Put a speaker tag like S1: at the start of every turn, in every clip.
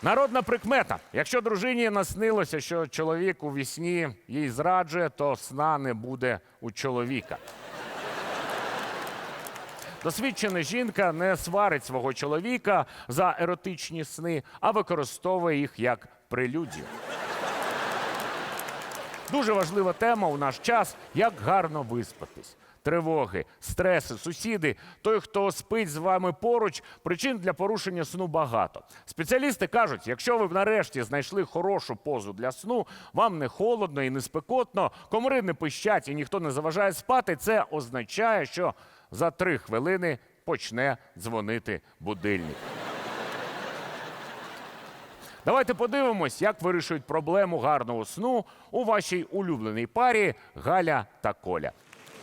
S1: Народна прикмета. Якщо дружині наснилося, що чоловік у вісні їй зраджує, то сна не буде у чоловіка. Досвідчена жінка не сварить свого чоловіка за еротичні сни, а використовує їх як прелюдію. Дуже важлива тема у наш час – як гарно виспатись. Тривоги, стреси, сусіди, той, хто спить з вами поруч, причин для порушення сну багато. Спеціалісти кажуть, якщо ви нарешті знайшли хорошу позу для сну, вам не холодно і не спекотно, комари не пищать і ніхто не заважає спати, це означає, що за 3 хвилини почне дзвонити будильник. Давайте подивимось, як вирішують проблему гарного сну у вашій улюбленій парі Галя та Коля.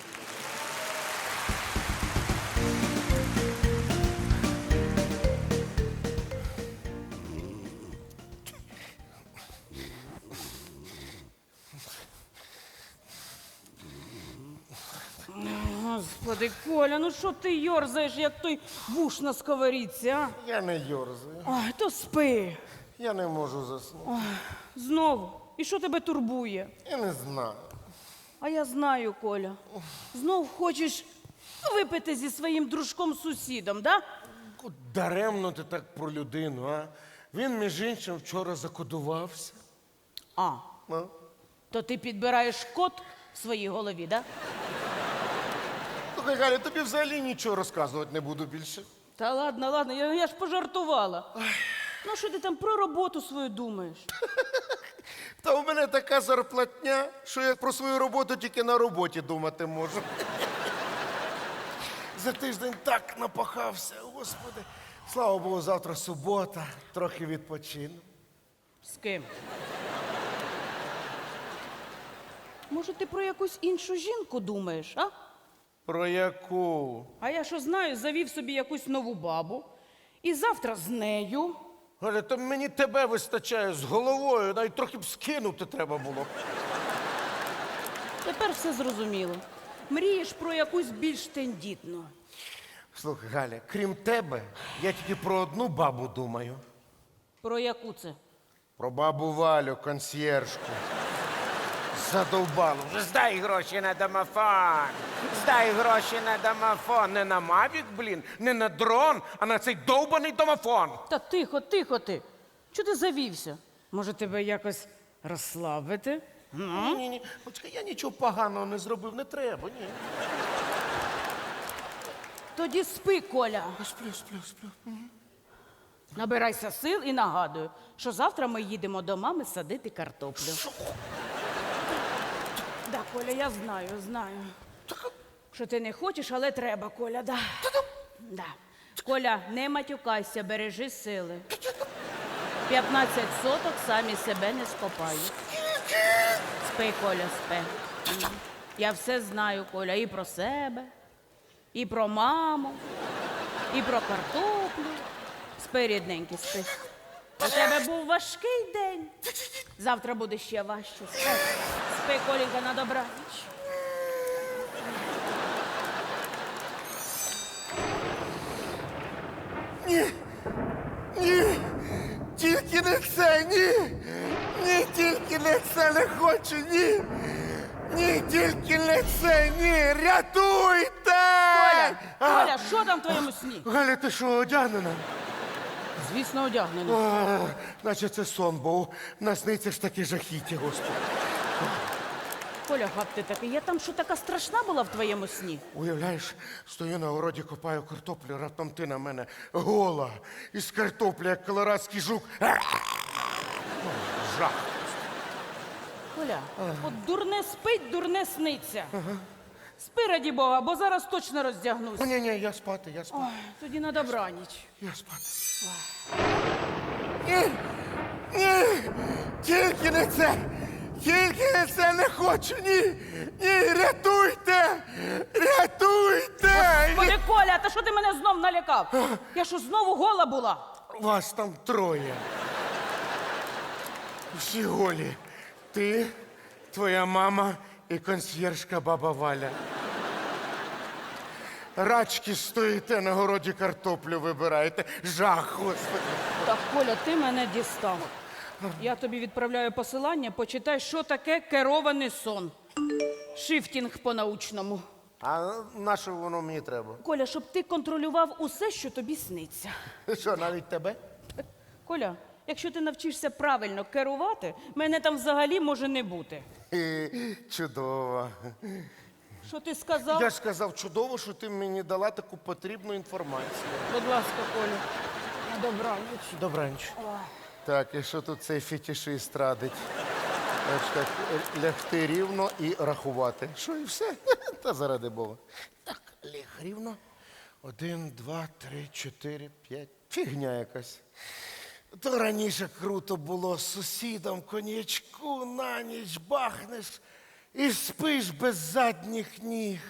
S2: Господи, Коля, ну що ти йорзаєш, як той вуш на сковорідці, а?
S3: Я не йорзаю.
S2: Ой, то спи.
S3: Я не можу заснути.
S2: Знову. І що тебе турбує?
S3: Я не знаю.
S2: А я знаю, Коля. Знов хочеш випити зі своїм дружком-сусідом, да?
S3: Даремно ти так про людину, а? Він, між іншим, вчора закодувався.
S2: А,
S3: А?
S2: то ти підбираєш код в своїй голові, да?
S3: Слухай, Галя, тобі взагалі нічого розказувати не буду більше.
S2: Та ладно, я ж пожартувала. Ну, що ти там про роботу свою думаєш?
S3: Та у мене така зарплатня, що я про свою роботу тільки на роботі думати можу. За тиждень так напахався, господи. Слава Богу, завтра субота, трохи відпочину.
S2: З ким? Може, ти про якусь іншу жінку думаєш, а?
S3: Про яку?
S2: А я що знаю, завів собі якусь нову бабу. І завтра з нею.
S3: Галя, то мені тебе вистачає з головою, навіть трохи б скинути треба було.
S2: Тепер все зрозуміло. Мрієш про якусь більш тендітну.
S3: Слухай, Галя, крім тебе, я тільки про одну бабу думаю.
S2: Про яку це?
S3: Про бабу Валю, консьєржку. Задовбало. Вже здай гроші на домофон. Здай гроші на домофон. Не на Мавік, блін, не на дрон, а на цей довбаний домофон.
S2: Та тихо ти. Чого ти завівся? Може, тебе якось розслабити?
S3: Ні. Почекай, я нічого поганого не зробив, не треба, ні.
S2: Тоді спи, Коля.
S3: Сплю.
S2: Набирайся сил і нагадую, що завтра ми їдемо до мами садити картоплю. Да, Коля, я знаю. Що ти не хочеш, але треба, Коля, да. Да. Коля, не матюкайся, бережи сили. 15 соток самі себе не скопають. Спи, Коля, спи. Я все знаю, Коля, і про себе, і про маму, і про картоплю. Спи, рідненький, спи. У тебе був важкий день. Завтра буде ще важче. Спи, спи, Колінка, на добраніч.
S3: Ні, тільки не це, ні. Ні, тільки не це не хочу, ні. Ні, тільки не це, ні. Рятуйте!
S2: Коля, що там в твоєму сні?
S3: Галя, ти що, одягнена?
S2: Звісно, одягнений.
S3: Наче це сон був. Насниться ж таке жахіття, господи.
S2: Коля, гад ти такий, я там що така страшна була в твоєму сні?
S3: Уявляєш, стою на городі, копаю картоплю, раптом ти на мене гола. Із картоплі, як колорадський жук. Жах.
S2: Коля, от дурне спить, дурне сниться. Спи, раді Бога, бо зараз точно роздягнусь.
S3: Ні, я спати.
S2: Ой, тоді на добраніч.
S3: Я спати. Ні, тільки не це. Тільки не це не хочу, ні. Ні, рятуйте! Рятуйте!
S2: Коля, Коля, та що ти мене знов налякав? Я що, знову гола була?
S3: Вас там 3. Всі голі. Ти, твоя мама і консьєржка баба Валя. Рачки стоїте на городі, картоплю вибираєте. Жах, господи.
S2: Так, Коля, ти мене дістав. Я тобі відправляю посилання, почитай, що таке керований сон. Шифтінг по-научному.
S3: А на що воно мені треба?
S2: Коля, щоб ти контролював усе, що тобі сниться.
S3: Що, навіть тебе?
S2: Коля, якщо ти навчишся правильно керувати, мене там взагалі може не бути.
S3: Чудово.
S2: Що ти сказав?
S3: Я ж сказав, чудово, що ти мені дала таку потрібну інформацію.
S2: Будь ласка, Коля, на добраніч.
S3: Добраніч. Так, і що тут цей фетишист радить? Значить так, лягти рівно і рахувати. Що і все? Та заради Бога. Так, ляг рівно. 1, 2, 3, 4, 5. Фігня якась. То раніше круто було з сусідом коньячку на ніч бахнеш і спиш без задніх ніг.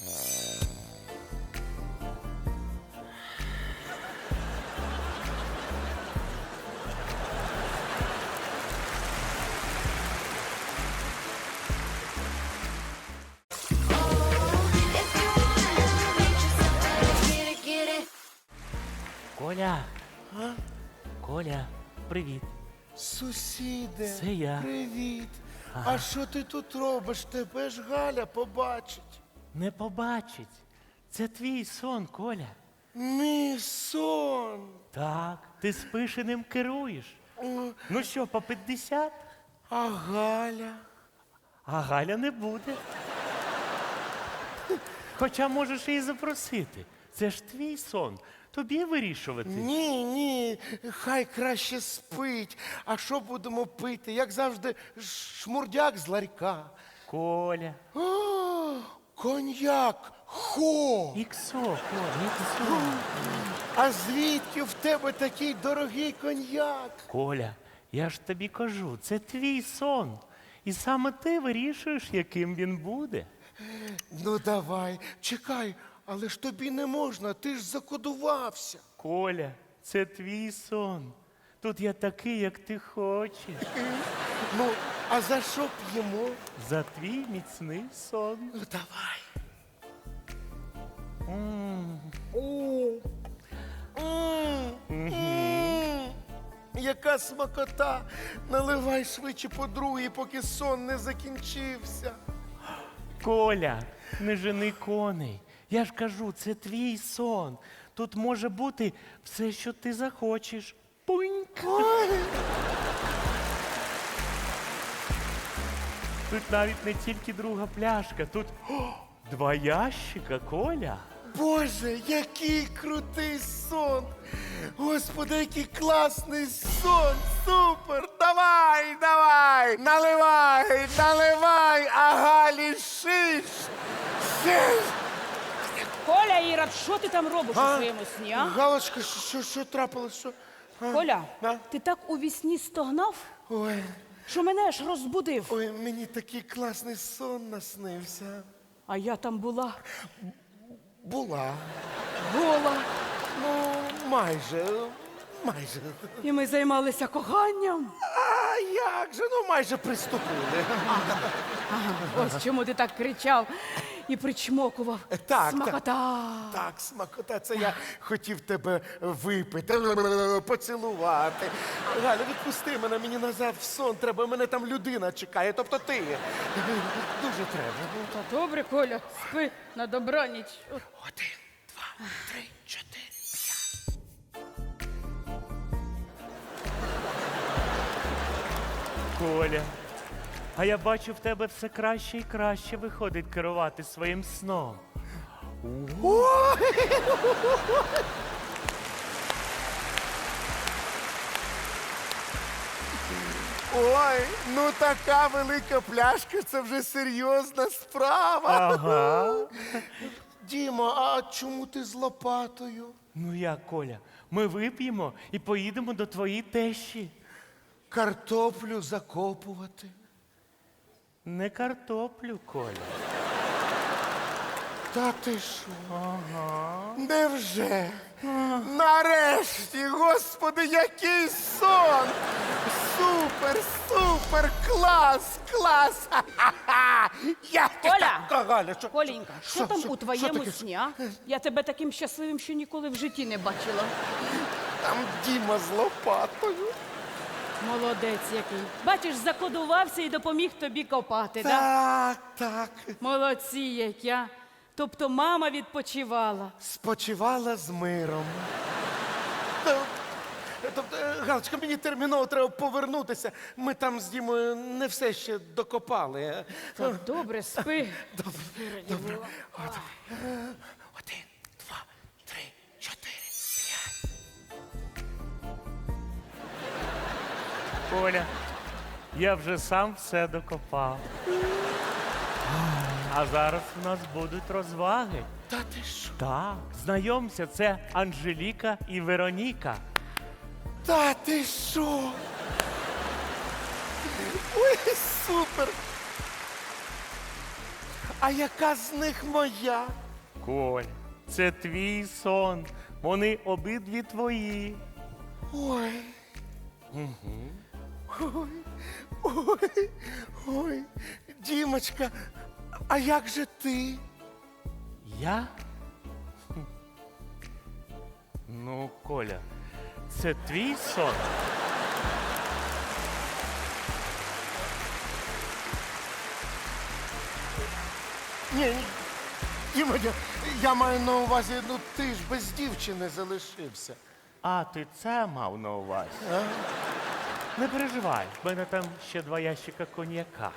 S4: Коля. Коля, привіт.
S3: Сусіде,
S4: Це я.
S3: привіт. А що ти тут робиш? Тебе ж Галя побачить.
S4: Не побачить. Це твій сон, Коля.
S3: Мій сон.
S4: Так, ти спиш і ним керуєш. Ну що, по 50?
S3: А Галя?
S4: А Галя не буде. Хоча можеш її запросити. Це ж твій сон. Тобі вирішувати.
S3: Ні, ні, хай краще спить. А що будемо пити? Як завжди, шмурдяк з ларька.
S4: Коля.
S3: О, коньяк. Хо!
S4: Іксо, Коля, іксо.
S3: А звідки в тебе такий дорогий коньяк?
S4: Коля, я ж тобі кажу, це твій сон. І саме ти вирішуєш, яким він буде.
S3: Ну давай, чекай, але ж тобі не можна, ти ж закодувався.
S4: Коля, це твій сон. Тут я такий, як ти хочеш.
S3: Ну, а за що п'ємо?
S4: За твій міцний сон.
S3: Ну давай. Яка смакота! Наливай швидше по другій, поки сон не закінчився.
S4: Коля, не жени коней. Я ж кажу, це твій сон. Тут може бути все, що ти захочеш. Пуньк.
S3: Ой,
S4: Тут навіть не тільки друга пляшка, тут 2 ящика, Коля.
S3: Боже, який крутий сон! Господи, який класний сон! Супер! Давай, давай! Наливай, наливай, а Галі шиш! Шиш!
S2: Коля, Ірод, що ти там робиш у своєму сні, а?
S3: Галочка, що трапилось? Що?
S2: Коля,
S3: А?
S2: ти так у вісні стогнав,
S3: Ой,
S2: що мене аж розбудив.
S3: ой, мені такий класний сон наснився.
S2: А я там була
S3: Була.
S2: гола.
S3: Ну, майже.
S2: І ми займалися коханням.
S3: А як же? Ну, майже приступили.
S2: Ось чому ти так кричав і причмокував.
S3: Так,
S2: Смакота.
S3: Так, смакота, це я хотів тебе випити, поцілувати. Галя, відпусти мене, мені назад в сон треба, мене там людина чекає, тобто ти. Дуже треба.
S2: Та добре, Коля, спи на добраніч.
S3: 1, 2, 3, 4, 5.
S4: Коля, а я бачу, в тебе все краще і краще виходить керувати своїм сном.
S3: Ой, ну така велика пляшка, це вже серйозна справа.
S4: Ага.
S3: Діма, а чому ти з лопатою?
S4: Ну як, Коля, ми вип'ємо і поїдемо до твоєї тещі.
S3: Картоплю закопувати.
S4: Не картоплю, Коля.
S3: Та ти що? Невже? Нарешті, господи, який сон! Супер, супер, клас, клас! Ха-ха-ха! Я
S2: Коля!
S3: Галя, що?
S2: Колінька, що там у твоєму
S3: таке?
S2: сні, а? Я тебе таким щасливим ще ніколи в житті не бачила.
S3: Там Діма з лопатою.
S2: Молодець який. Бачиш, закодувався і допоміг тобі копати, так?
S3: Так.
S2: Молодці які, а. Тобто мама відпочивала.
S3: Спочивала з миром. Тобто, Галочка, мені терміново треба повернутися. Ми там з Дімою не все ще докопали.
S2: Так, добре, спи.
S3: Добре. Один, два, три, чотири, п'ять.
S4: Коля, я вже сам все докопав. А зараз у нас будуть розваги.
S3: Та ти що?
S4: Так, знайомся, це Анжеліка і Вероніка.
S3: Та ти що? Ой, супер! А яка з них моя?
S4: Коль, це твій сон. Вони обидві твої.
S3: Ой. Ой. Дімочка, а як же ти?
S4: Я? Ну, Коля, це твій сон.
S3: Ні, Діма, я маю на увазі, ну ти ж без дівчини залишився.
S4: А ти це мав на увазі? Не переживай, в мене там ще 2 ящика коньяка.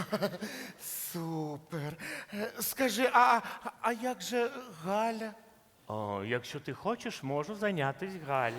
S3: Супер. Скажи, а як же Галя?
S4: О, якщо ти хочеш, можу зайнятися Галі.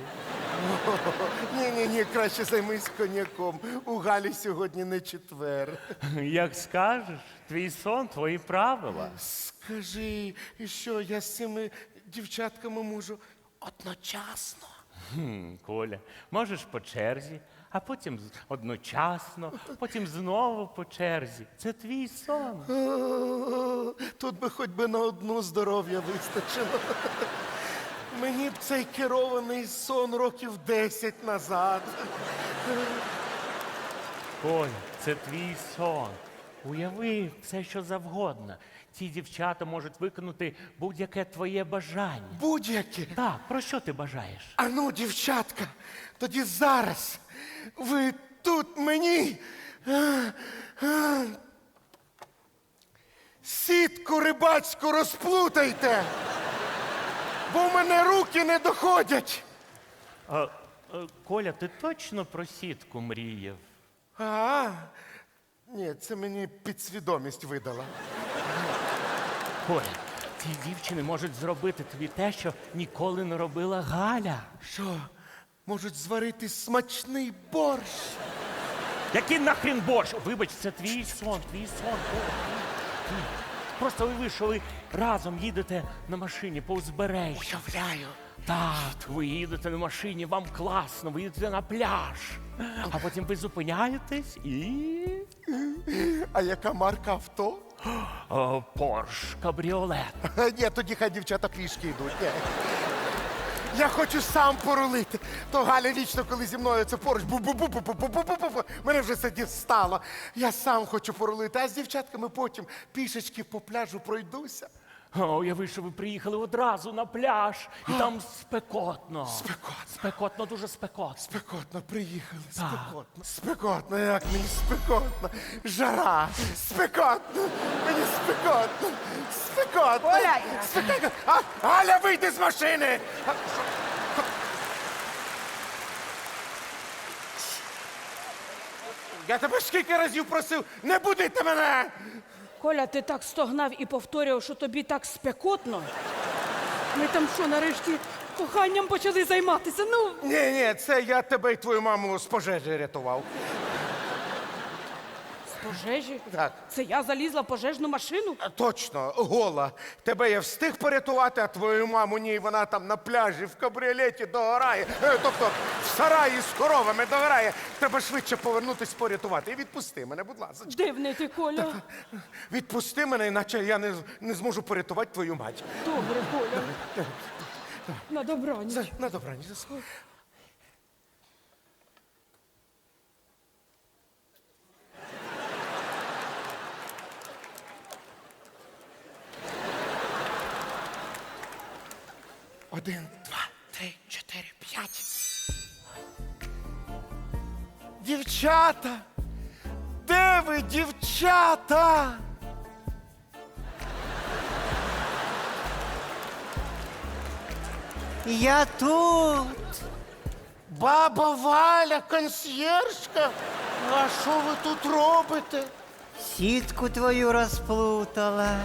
S3: Ні, краще займись коньяком. У Галі сьогодні не четвер.
S4: Як скажеш, твій сон, твої правила.
S3: Скажи, і що я з цими дівчатками можу одночасно?
S4: Коля, можеш по черзі, а потім одночасно, потім знову по черзі. Це твій сон.
S3: Тут би хоч би на одну здоров'я вистачило. Мені б цей керований сон років 10 назад.
S4: Коля, це твій сон. Уяви все, що завгодно. Ці дівчата можуть виконати будь-яке твоє бажання.
S3: Будь-які.
S4: Так, про що ти бажаєш?
S3: А ну, дівчатка, тоді зараз ви тут мені сітку рибацьку розплутайте, бо в мене руки не доходять.
S4: Коля, ти точно про сітку мріяв?
S3: Ні, це мені підсвідомість видала.
S4: Коля, ці дівчини можуть зробити тобі те, що ніколи не робила Галя.
S3: Що, можуть зварити смачний борщ?
S4: Який нахрін борщ? Вибач, це твій сон, твій сон. Коля. Просто уяви, що ви разом їдете на машині по узбережжю.
S3: Уявляю.
S4: Так, ви їдете на машині, вам класно, ви їдете на пляж. А потім ви зупиняєтесь і...
S3: А яка марка авто?
S4: Порш, кабріолет.
S3: Ні, тоді хай дівчата пішки йдуть. Ні. Я хочу сам порулити. То Галя вічно, коли зі мною це поруч, бу-бу-бу-бу-бу-бу-бу-бу-бу. Мене вже це дістало. Я сам хочу порулити, а з дівчатками потім пішечки по пляжу пройдуся.
S4: Уяви, що ви приїхали одразу на пляж, і там спекотно.
S3: Спекотно.
S4: Спекотно, дуже спекотно.
S3: Спекотно, приїхали, спекотно. Спекотно, як мені спекотно. Жара, спекотно, мені спекотно. Спекотно.
S2: Оля!
S3: Спекотно. Галя, вийди з машини! Я тебе скільки разів просив, не будити мене!
S2: Коля, ти так стогнав і повторював, що тобі так спекотно. Ми там що, нарешті коханням почали займатися? Ну,
S3: Ні, це я тебе і твою маму з пожежі рятував.
S2: з пожежі?
S3: Так.
S2: Це я залізла в пожежну машину?
S3: Точно, гола. Тебе я встиг порятувати, а твою маму ні, вона там на пляжі в кабріолеті догорає. Тобто в сараї з коровами догорає. Треба швидше повернутись порятувати. І відпусти мене, будь ласка.
S2: Дивний ти, Коля.
S3: Відпусти мене, іначе я не зможу порятувати твою мать.
S2: Добре, Коля. На добраніч.
S3: На добраніч. Один, два, три, чотири, п'ять. Дівчата! Де ви, дівчата?
S5: Я тут.
S3: Баба Валя, консьєржка? А що ви тут робите?
S5: Сітку твою розплутала.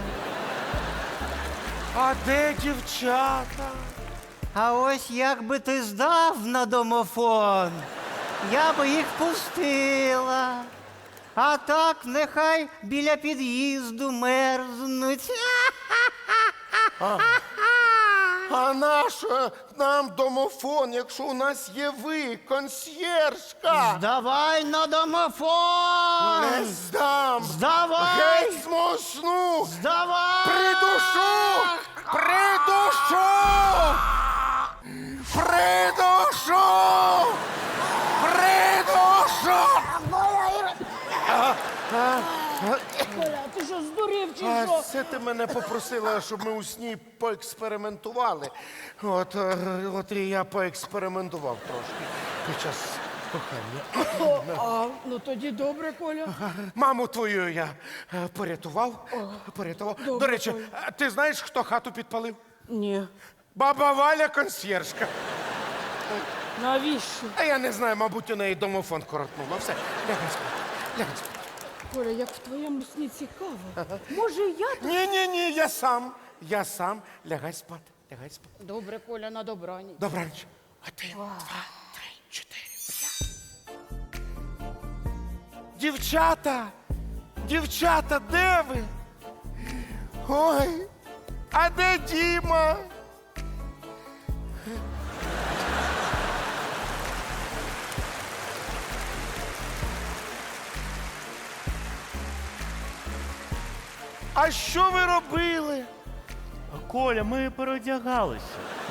S3: А де дівчата?
S5: А ось як би ти здав на домофон, я би їх пустила. А так нехай біля під'їзду мерзнуть.
S3: А нащо нам домофон, якщо у нас є ви, консьєржка?
S5: Здавай на домофон!
S3: Не здам!
S5: Здавай!
S3: Геть з мого сну!
S5: Здавай!
S3: Придушу! Придушу! Придушу! Придушу!
S2: Коля, ти що, здурів чи
S3: А
S2: що?
S3: це ти мене попросила, щоб ми у сні поекспериментували. От і я поекспериментував трошки під час кохання.
S2: Ну тоді добре, Коля.
S3: Маму твою я порятував. До речі, ти знаєш, хто хату підпалив?
S2: Ні.
S3: Баба Валя, консьєржка.
S2: Навіщо?
S3: А я не знаю, мабуть, у неї домофон коротнуло. Все, лягай спати. Лягай спати.
S2: Коля, як в твоєму сні цікаво. Може, я тут?
S3: Ні, я сам. Я сам. Лягай спати. Лягай спати.
S2: Добре, Коля, на добраніч.
S3: Добраніч. 1, 2, 3, 4, 5. Дівчата! Дівчата, де ви? Ой, а де Діма? А що ви робили?
S4: Коля, ми переодягалися.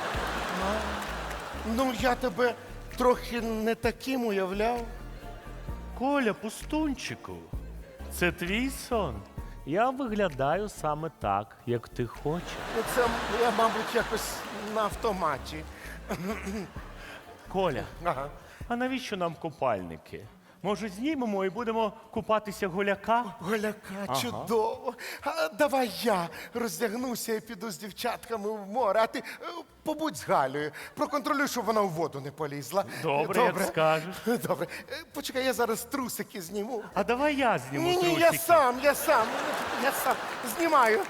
S3: Ну, я тебе трохи не таким уявляв.
S4: Коля, пустунчику, це твій сон. Я виглядаю саме так, як ти хочеш.
S3: Ну, це я, мабуть, якось на автоматі.
S4: Коля,
S3: Ага.
S4: а навіщо нам купальники? Може, знімемо і будемо купатися голяка?
S3: Голяка, чудово. А, давай я роздягнуся і піду з дівчатками в море, а ти побудь з Галею. Проконтролюй, щоб вона в воду не полізла.
S4: Добре, як скажеш.
S3: Добре. Почекай, я зараз трусики зніму.
S4: А давай я зніму
S3: Ні,
S4: трусики.
S3: я сам. Знімаю.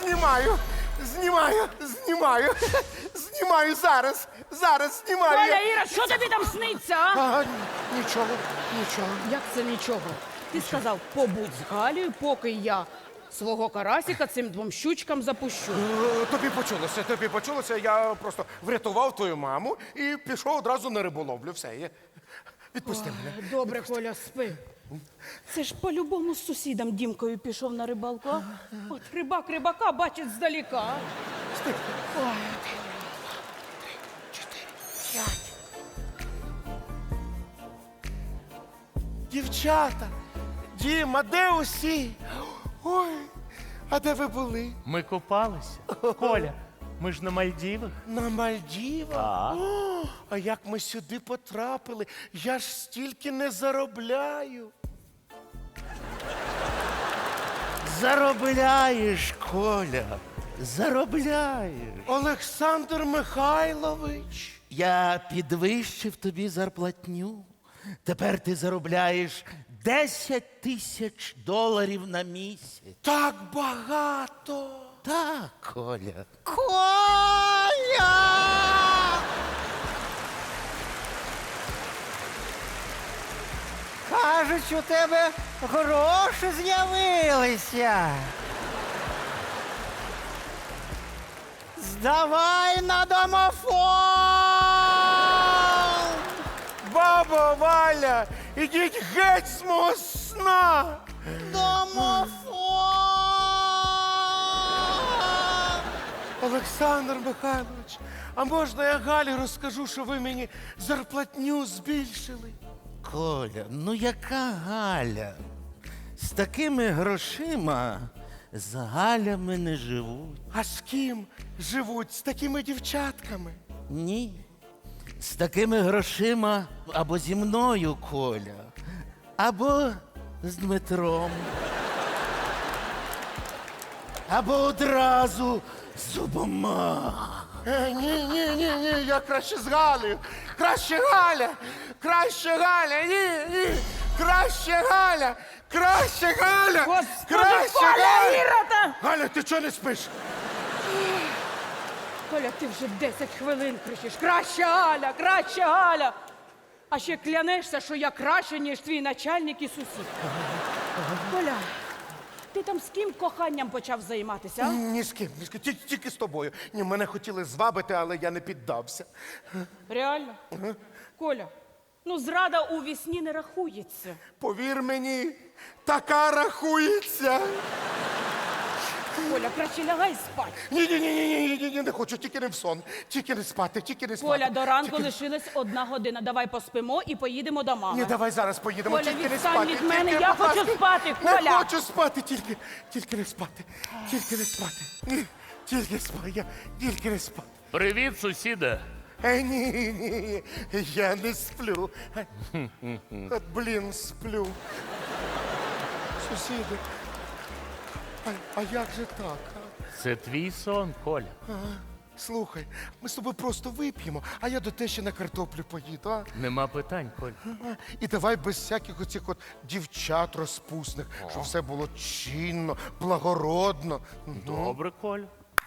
S3: Знімаю зараз. Знімаю.
S2: Коля, Іра, що тобі там сниться, а?
S3: А, нічого.
S2: Як це нічого? Ти сказав, побудь з Галею, поки я свого карасіка цим двом щучкам запущу.
S3: Тобі почулося, я просто врятував твою маму і пішов одразу на риболовлю. Все, відпусти мене.
S2: Добре, Коля, спи. Це ж по-любому з сусідом Дімкою пішов на рибалку. А? От рибак рибака бачить здаліка.
S3: Дівчата, Діма, де усі? Ой, а де ви були?
S4: Ми купалися. Коля, ми ж на Мальдівах.
S3: На Мальдівах?
S4: Так.
S3: О, а як ми сюди потрапили? Я ж стільки не заробляю.
S6: Заробляєш, Коля, заробляєш.
S3: Олександр Михайлович.
S6: Я підвищив тобі зарплатню. Тепер ти заробляєш $10 000 на місяць.
S3: Так багато.
S6: Так, Коля.
S5: Коля! Кажуть, у тебе гроші з'явилися. Здавай на домофон!
S3: Баба Валя, ідіть геть з мого сна.
S5: Домофон!
S3: Олександр Михайлович, а можна я Галі розкажу, що ви мені зарплатню збільшили?
S6: Коля, ну яка Галя? З такими грошима з Галями не живуть.
S3: А з ким живуть? З такими дівчатками?
S6: Ні. З такими грошима або зі мною, Коля, Або з Дмитром. Або одразу з обома.
S3: Ні, я краще з Галею. Краще Галя! Краще Галя! Ні! Краще Галя! Краще Галя!
S2: Господи,
S3: Краще
S2: Коля,
S3: Галя!
S2: Ірота!
S3: Галя, ти чого не спиш?
S2: Коля, ти вже 10 хвилин кричиш. Краще Галя, краще Галя. А ще клянешся, що я краще, ніж твій начальник і сусід. Коля, ти там з ким коханням почав займатися? А?
S3: Ні з ким. Тільки з тобою. Ні, мене хотіли звабити, але я не піддався.
S2: Реально? Коля, ну зрада у вісні не рахується.
S3: Повір мені, така рахується.
S2: Коля, краще лягай спати.
S3: Ні, не хочу, тільки не в сон. Тільки не спати, тільки не спати.
S2: Коля, до ранку
S3: Тільки-
S2: лишилась 1 година. Давай поспимо і поїдемо до мами.
S3: Ні, давай зараз поїдемо,
S2: Коля,
S3: тільки не
S2: відстань
S3: спати.
S2: від мене,
S3: тільки,
S2: я
S3: будь
S2: хочу
S3: ласка.
S2: спати,
S3: Не
S2: Коля!
S3: хочу спати, тільки не спати. Тільки не спати. Ні, тільки спати, тільки не спати.
S1: Привіт, сусіде.
S3: Ні, я не сплю. От, блін, сплю. Сусіди, а як же так?
S1: Це твій сон, Коля.
S3: Слухай, ми з тобою просто вип'ємо, а я до тещі на картоплю поїду, а?
S1: Нема питань, Коля.
S3: І давай без всяких оцих от дівчат розпусних, щоб все було чинно, благородно.
S1: Добре, Коля.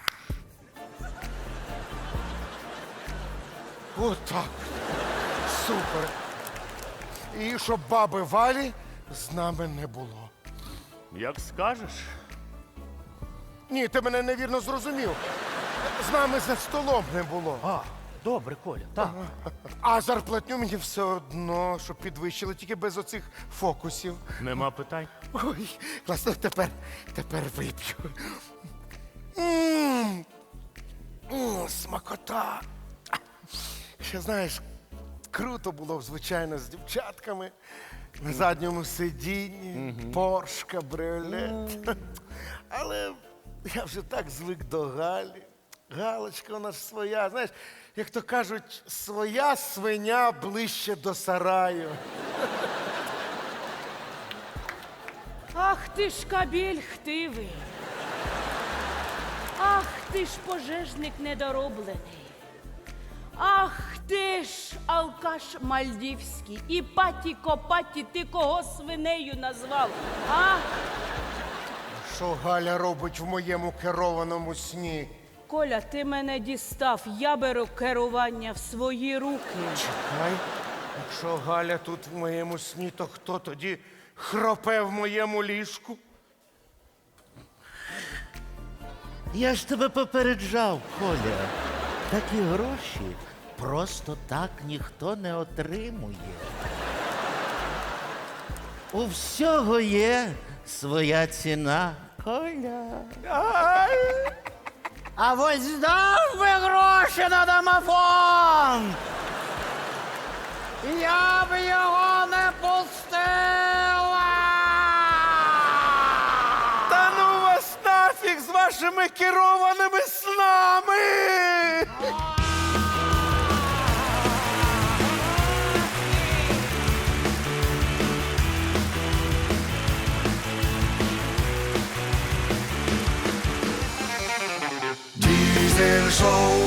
S3: Отак. Супер. І щоб баби Валі з нами не було.
S1: Як скажеш.
S3: Ні, ти мене невірно зрозумів. З нами за столом не було.
S4: А, добре, Коля, так.
S3: А зарплатню мені все одно, щоб підвищили, тільки без оцих фокусів.
S1: Нема питань.
S3: Ой, класно, тепер вип'ю. М, Смакота. Ще знаєш, круто було б, звичайно, з дівчатками на задньому сидінні, Порш, кабріолет. Але я вже так звик до Галі. Галочка у нас своя, знаєш, як то кажуть, своя свиня ближче до сараю.
S2: Ах ти ж кабель хтивий. Ах ти ж пожежник недороблений. Ах ти ж алкаш мальдівський. І паті копаті, ти кого свинею назвав? А?
S3: Що Галя робить в моєму керованому сні?
S2: Коля, ти мене дістав. Я беру керування в свої руки.
S3: Чекай, якщо Галя тут в моєму сні, то хто тоді хропе в моєму ліжку?
S6: Я ж тебе попереджав, Коля. Такі гроші просто так ніхто не отримує. У всього є своя ціна, Коля.
S5: А ось дав би гроші на домофон. Я б його не пустила.
S3: Та ну вас нафіг з вашими керованими снами!
S7: Diesel Show.